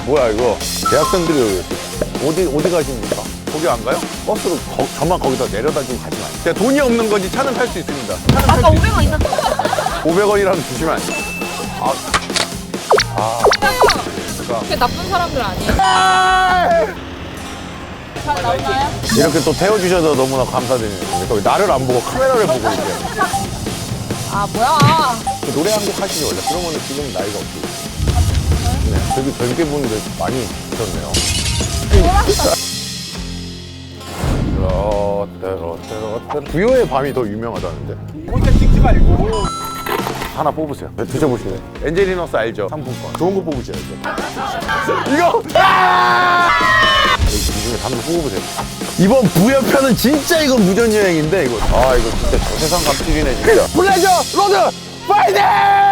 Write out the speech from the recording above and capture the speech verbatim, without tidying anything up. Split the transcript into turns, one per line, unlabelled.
뭐야 이거? 대학생들이 어디 어디 가십니까? 거기 안 가요? 버스로 거, 저만 거기다 내려다 주고 가지 마요. 제가 돈이 없는 거지 차는 탈 수 있습니다. 차는
아까 오백 원 있었어.
오백 원이라도 주시면 안 돼요? 아, 아,
그게 나쁜 사람들 아니에요? 잘 나오나요?
이렇게 또 태워주셔서 너무나 감사드리는데 거기 나를 안 보고 카메라를 보고 이제
아 뭐야?
그 노래 한 곡 하시죠 원래? 그러면 지금 나이가 어떻게 되세요? 네, 되게 젊게 분들 많이 있었네요. 롯데 롯데 롯데 부여의 밤이 더 유명하다는데?
혼자 찍지 말고.
하나 뽑으세요. 네, 드셔보실래요? 엔젤리너스 알죠? 상품권. 좋은 거 뽑으셔야죠. 이거! 아! 이 중에 한번 뽑으세요. 이번 부여편은 진짜 이건 무전여행인데, 이거. 아, 이거 진짜 저세상 갑질이네, 진짜. 플레저 로드 파이팅!